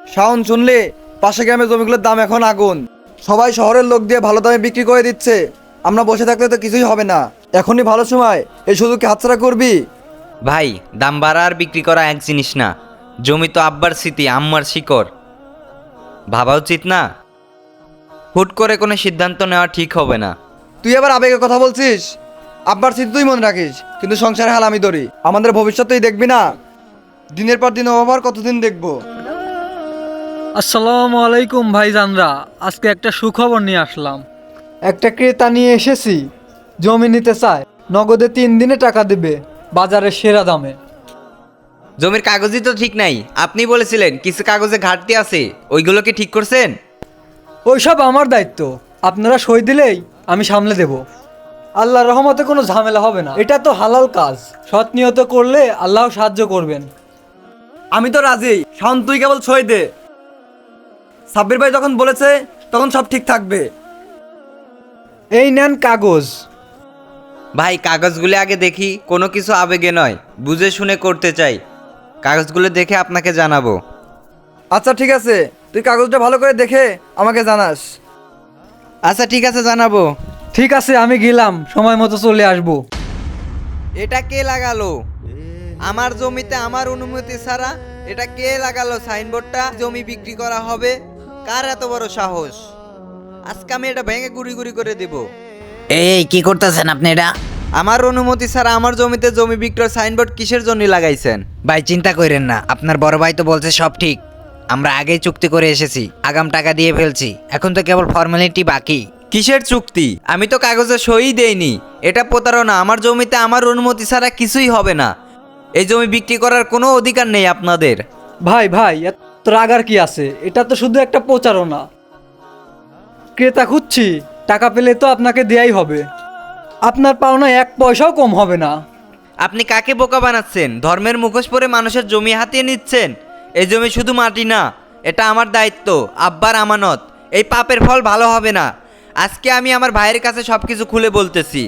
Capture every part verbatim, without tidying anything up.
শাওন শুনলে পাশে গ্রামে জমিগুলোর দাম এখন আগুন। সবাই শহরের লোক দিয়ে ভালো দামে বিক্রি করে দিচ্ছে। আমরা বসে থাকলে তো কিছুই হবে না। এখনই ভালো সময়, এই সুযোগকে হাতছাড়া করবি? ভাই, দাম বাড়া আর বিক্রি করা এক জিনিস না। জমি তো আব্বার স্মৃতি, আম্মার শিকড়। ভাবা উচিত না? হুট করে কোনো সিদ্ধান্ত নেওয়া ঠিক হবে না। তুই আবার আবেগের কথা বলছিস? আব্বার স্মৃতি তুই মনে রাখিস, কিন্তু সংসারে হাল আমি ধরি। আমাদের ভবিষ্যৎ তুই দেখবি না? দিনের পর দিন অভাব আর কতদিন দেখবো? আসসালামু আলাইকুম ভাইজানরা, আজকে একটা সুখবর নিয়ে আসলাম। একটা ক্রেতা নিয়ে এসেছি, জমি নিতে চায়, নগদে তিন দিনে টাকা দেবে, বাজারের সেরা দামে। জমির কাগজই তো ঠিক নাই। আপনি বলেছিলেন কিছু কাগজে ঘাটতি আছে, ওইগুলো কি ঠিক করছেন? ওইসব আমার দায়িত্ব, আপনারা সই দিলেই আমি সামলে দেব। আল্লাহর রহমতে কোনো ঝামেলা হবে না, এটা তো হালাল কাজ, সৎ নিয়ত করলে আল্লাহ সাহায্য করবেন। আমি তো রাজি। শাওন, তুই কেবল সই দে। সাব্বির ভাই যখন বলেছে তখন সব ঠিক থাকবে। এই নেন কাগজ। ভাই, কাগজগুলো আগে দেখি। কোনো কিছু আবেগে নয়, বুঝে শুনে করতে চাই। কাগজগুলো দেখে আপনাকে জানাবো। আচ্ছা ঠিক আছে, তুই কাগজটা ভালো করে দেখে আমাকে জানাস। আচ্ছা ঠিক আছে, জানাবো। ঠিক আছে, আমি গেলাম, সময় মতো চলে আসবো। এটা কে লাগালো? আমার জমিতে আমার অনুমতি ছাড়া এটা কে লাগালো সাইনবোর্ডটা? জমি বিক্রি করা হবে? কার এত বড় সাহস? আজকে আমি এটা ভেঙে গুড়ি গুড়ি করে দেব। এই কি করতেছেন আপনি এটা? আমার অনুমতি ছাড়া আমার জমিতে জমি বিক্রয় সাইনবোর্ড কিসের জন্য লাগাইছেন? ভাই চিন্তা করেন না, আপনার বড় ভাই তো বলছে সব ঠিক। আমরা আগেই চুক্তি করে এসেছি, আগাম টাকা দিয়ে ফেলছি, এখন তো কেবল ফর্মালিটি বাকি। কিসের চুক্তি? আমি তো কাগজে সই দেইনি। এটা প্রতারণা। আমার জমিতে আমার অনুমতি ছাড়া কিছুই হবে না। এই জমি বিক্রি করার কোনো অধিকার নেই আপনাদের। ভাই ভাই এত রাগার কি আছে? এটা তো শুধু একটা প্রচারণা। ক্রেতা খুঁজছি, টাকা পেলে তো আপনাকে দেয়াই হবে। আপনার পাওনা এক পয়সাও কম হবে না। আপনি কাকে বোকা বানাচ্ছেন? ধর্মের মুখোশ পরে মানুষের জমি হাতিয়ে নিচ্ছেন। এই জমি শুধু মাটি না, এটা আমার দায়িত্ব, আব্বার আমানত। এই পাপের ফল ভালো হবে না। আজকে আমি আমার ভাইয়ের কাছে সব কিছু খুলে বলতেছি।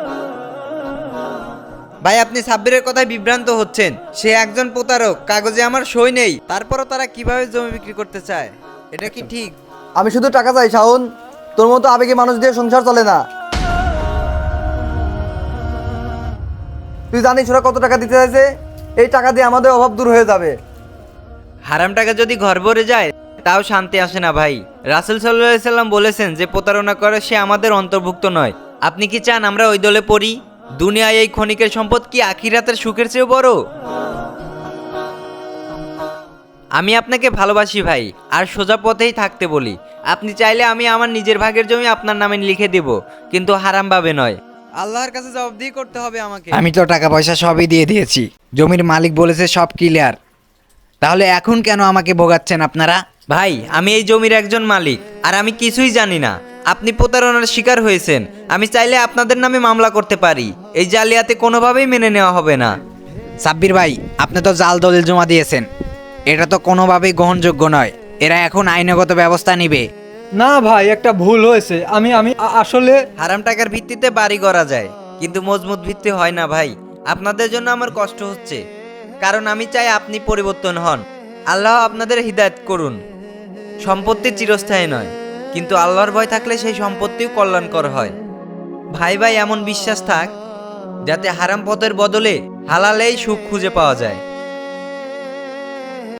ভাই, আপনি সাব্বিরের কথায় বিভ্রান্ত হচ্ছেন। সে একজন প্রতারক, কাগজে আমার সই নেই। তারপরও তারা কিভাবে জমি বিক্রি করতে চায়? এটা কি ঠিক? আমি শুধু টাকা চাই শাওন, তোর মতো আবেগে মানুষ দিয়ে সংসার চলে না। তুই জানিস ওরা কত টাকা দিতে চাইছে? এই টাকা দিয়ে আমাদের অভাব দূর হয়ে যাবে। হারাম টাকা যদি ঘর ভরে যায় তাও শান্তি আসে না ভাই। রাসূল সাল্লাল্লাহু আলাইহি সাল্লাম বলেছেন যে প্রতারণা করে সে আমাদের অন্তর্ভুক্ত নয়। আপনি কি চান আমরা ওই দলে পড়ি? দুনিয়ায় এই ক্ষণিকের সম্পদ কি আখিরাতের সুখের চেয়েও বড়? আমি আপনাকে ভালোবাসি ভাই, আর সোজা পথেই থাকতে বলি। আপনি চাইলে আমি আমার নিজের ভাগের জমি আপনার নামে লিখে দেব, কিন্তু হারাম ভাবে নয়। আল্লাহর কাছে জবাবদিহি করতে হবে আমাকে। আমি তো টাকা পয়সা সবই দিয়ে দিয়েছি, জমির মালিক বলেছে সব ক্লিয়ার। তাহলে এখন কেন আমাকে ভোগাচ্ছেন আপনারা? ভাই, আমি এই জমির একজন মালিক, আর আমি কিছুই জানি না। আপনি প্রতারণার শিকার হয়েছেন। আমি চাইলে আপনাদের নামে মামলা করতে পারি। এই জালিয়াতি কোনোভাবেই মেনে নেওয়া হবে না। সাব্বির ভাই, আপনি তো জাল দলিল জমা দিয়েছেন, এটা তো কোনোভাবেই গ্রহণযোগ্য নয়। এরা এখন আইনগত ব্যবস্থা নেবে। না ভাই, একটা ভুল হয়েছে। আমি আমি আ- আসলে হারাম টাকার ভিত্তিতে বাড়ি করা যায়, কিন্তু মজবুত ভিত্তি হয় না ভাই। আপনাদের জন্য আমার কষ্ট হচ্ছে, কারণ আমি চাই আপনি পরিবর্তন হন। আল্লাহ আপনাদের হিদায়াত করুন। সম্পত্তি চিরস্থায়ী নয়, কিন্তু আল্লাহর ভয় থাকলে সেই সম্পত্তিও কল্যাণকর হয়। ভাই ভাই এমন বিশ্বাস থাক যাতে হারাম পথের বদলে হালালেই সুখ খুঁজে পাওয়া যায়।